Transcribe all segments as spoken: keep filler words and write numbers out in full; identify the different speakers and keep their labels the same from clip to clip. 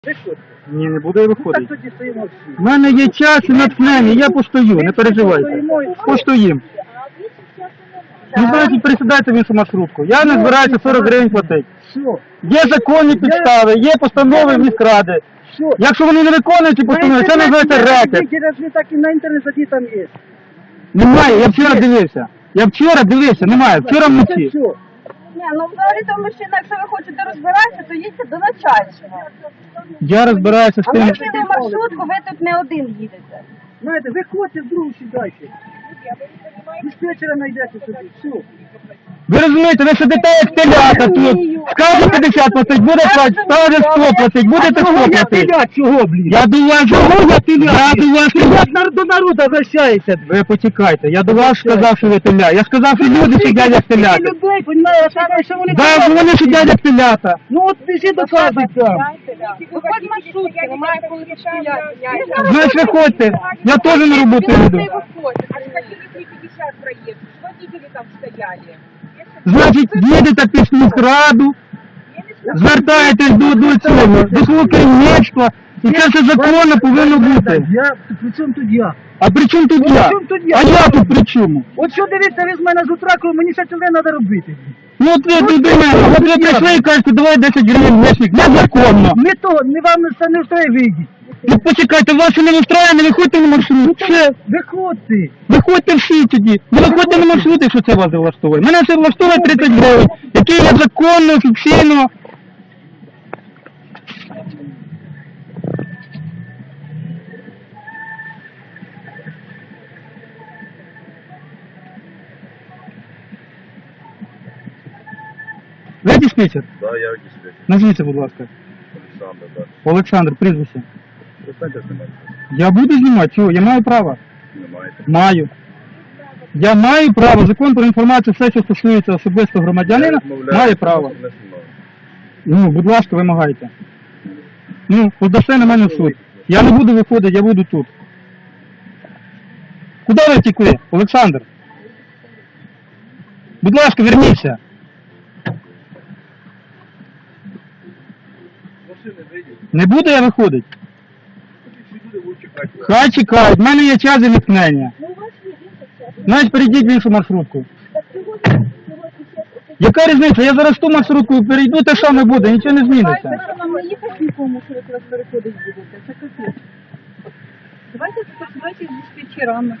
Speaker 1: Виходьте.
Speaker 2: Ні, не буду я
Speaker 1: Ну, так
Speaker 2: виходити.
Speaker 1: тоді стоїмо всі.
Speaker 2: У мене є час і натхнення, я постою, не переживайте. Постоїм. Ну, значить, пересідайте в іншу маршрутку. Я не збираюся сорок гривень платити.
Speaker 1: Що?
Speaker 2: Є законні підстави, є постанови міськради.
Speaker 1: Що?
Speaker 2: Якщо вони не виконують ці постанови, це називається рекет.
Speaker 1: Разве так і на інтернет тоді там є?
Speaker 2: Немає, я вчора дивився. Я вчора дивився, немає, вчора вночі.
Speaker 1: Що?
Speaker 3: Ні, ну взагалі-то мужчина, якщо ви хочете розбиратися, то їдьте до начальства.
Speaker 2: Я розбираюся з
Speaker 3: А
Speaker 2: тим.
Speaker 3: ми їдемо маршрутку, ви тут не один їдете.
Speaker 1: Знаєте, виходьте в другу сідайте. Диспетчера знайдете собі. Все.
Speaker 2: Ви розумієте, ви сидите як телята тут. Скаже п'ятдесят платить, буде платить, скаже сто платить, будете сто платити.
Speaker 1: Чого, блін?
Speaker 2: Я до вас,
Speaker 1: Чого я теля?
Speaker 2: я до вас,
Speaker 1: Як до народу обращається?
Speaker 2: ви почекайте, я до вас сказав, що ви теля. Я сказав, що люди сидять як телята.
Speaker 1: людей, понімаєш, що вони...
Speaker 2: Да, вони сидять як телята.
Speaker 1: Ну от біжи доказуй там.
Speaker 3: Виходь маршрутки, немає коли стояти.
Speaker 2: Знаєш, виходьте, я теж на роботу йду.
Speaker 3: А ж хотели три пятьдесят проехать, водители там стояли.
Speaker 2: Значить, їдете під міськраду, звертаєтесь до, до цього, до свого керівництва, і це все законно повинно бути.
Speaker 1: Я, при чому тут я?
Speaker 2: А при чому тут
Speaker 1: Ну,
Speaker 2: я?
Speaker 1: при чому тут я?
Speaker 2: А я тут при чому?
Speaker 1: От що дивіться, ви з мене з утра, коли мені ще ціле треба робити.
Speaker 2: Ну от ви людина, от ви прийшли і кажете, давай десять гривень внешник, незаконно.
Speaker 1: Не то, не вам це не встає вийдіть.
Speaker 2: Ну почекайте, вас не влаштовує, не виходьте на маршрут. Все,
Speaker 1: Виходьте.
Speaker 2: виходьте всі тоді. Не виходьте на маршрут, якщо це вас не влаштовує. Мене це влаштовує тридцять гривень, які є законно, офіційно. Ви диспетчер?
Speaker 4: Да, я диспетчер.
Speaker 2: Назвіться, будь ласка.
Speaker 4: Олександр, да.
Speaker 2: Олександр, прізвище.
Speaker 4: Достаньте знімати.
Speaker 2: Я буду знімати, чого? Я маю право.
Speaker 4: Знімаєте.
Speaker 2: Маю. Я маю право. Закон про інформацію, все, що стосується особисто громадянина, має право.
Speaker 4: Не знімаю.
Speaker 2: Ну, будь ласка, вимагайте. Ну, подасте на мене в суд. Я не буду виходити, я буду тут. Куди ви втекли, Олександр? Будь ласка, верніться.
Speaker 4: Машини вийдуть.
Speaker 2: Не буду я виходити.
Speaker 4: Ці люди будуть чекати.
Speaker 2: Хай чекають, в мене є час і відтнення. Значить, перейдіть в іншу маршрутку. Яка різниця? Я зараз ту маршрутку перейду, те саме буде, нічого не зміниться.
Speaker 3: Якщо вам не їхати нікому, що ви зараз переходить будете, це капець. Давайте співпрацювати з диспетчерами.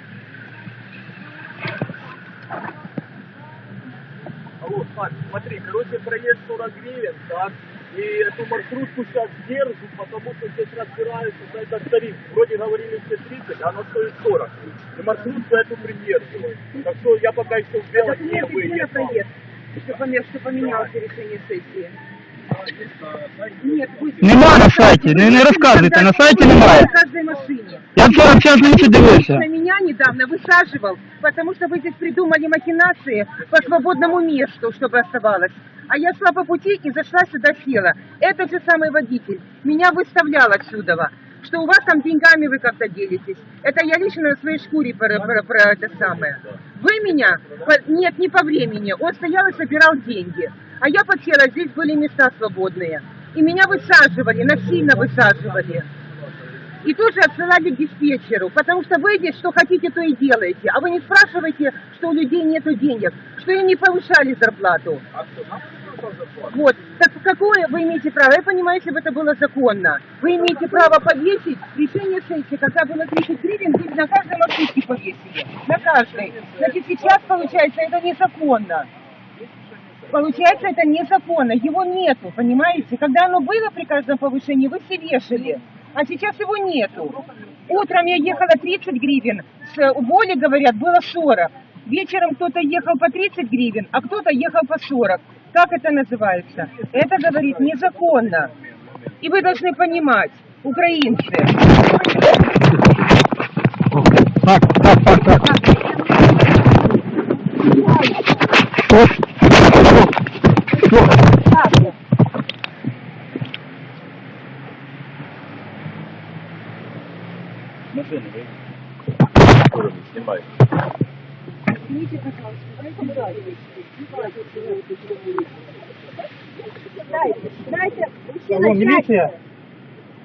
Speaker 4: Алло, Сань, смотри, короче, проезд сорок гривен, так? И эту маршрутку сейчас держу, потому что здесь разбираются за этот тариф. Вроде говорили все тридцать, а она стоит сорок. И маршрутку эту придерживаю. Так что я пока еще в белом не
Speaker 3: Документы где на
Speaker 4: выехал.
Speaker 3: проезд? Что поменялось, что поменялось решение сессии? Нет, вы...
Speaker 2: Нема на сайті, не, не розказуйте, на сайті немає.
Speaker 3: В каждой машине.
Speaker 2: Я вчора в час ночі дивився.
Speaker 3: На меня недавно высаживал, потому что вы здесь придумали махинации по свободному месту, чтобы оставалось. А я шла по пути и зашла сюда, села. Этот же самый водитель меня выставлял отсюда, что у вас там деньгами вы как-то делитесь. Это я лично на своей шкуре про, про, про это самое. Вы меня, по- нет, не по времени, он стоял и собирал деньги. А я подсела, здесь были места свободные. И меня высаживали, насильно высаживали. И тоже отсылали к диспетчеру, потому что вы здесь что хотите, то и делаете. А вы не спрашиваете, что у людей нету денег, что им не повышали зарплату. Вот, так какое вы имеете право? Я понимаю, если бы это было законно. Вы имеете право повесить решение сессии, когда было тридцать гривен, вы на каждой маршрутке повесили. На каждой. Значит, сейчас, получается, это незаконно. Получается, это незаконно. Его нету, понимаете? Когда оно было при каждом повышении, вы все вешали. А сейчас его нету. Утром я ехала тридцать гривен, с Воли, говорят, было сорок. Вечером кто-то ехал по тридцать гривен, а кто-то ехал по сорок. Как это называется? Это, говорит, незаконно. И вы должны понимать, украинцы.
Speaker 2: Так, так, так, так. Що? Що? Що?
Speaker 4: Машины вийдуть. Снимай.
Speaker 3: Дайте, дайте,
Speaker 2: Алло, міліція?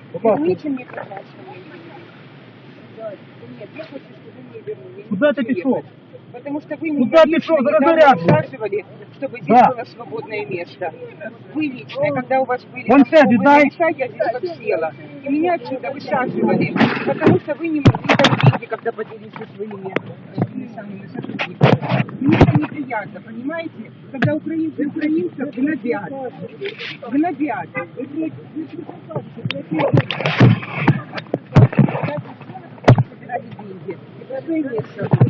Speaker 3: Верните мне, пожалуйста, мои деньги. Нет, я хочу, чтобы вы мне вернули. Я не
Speaker 1: Куда ты
Speaker 3: хочу
Speaker 1: пішов?
Speaker 3: ехать. Потому что вы
Speaker 1: Куда
Speaker 3: меня
Speaker 1: пішов?
Speaker 3: лично
Speaker 1: Зараз
Speaker 3: недавно
Speaker 1: заряд був.
Speaker 3: высаживали, чтобы здесь
Speaker 1: Да.
Speaker 3: было свободное место. Вы лично, когда у вас были
Speaker 1: Вон
Speaker 3: там
Speaker 1: сядь,
Speaker 3: свободные
Speaker 1: дай.
Speaker 3: места, я здесь как села. И меня отсюда высаживали, потому что вы не могли там деньги, когда поделились со своими этими самыми сотрудниками. Мне это неприятно, понимаете? Когда украинцы украинцев гнобят. Гнобят. Собирали деньги. И пустое место.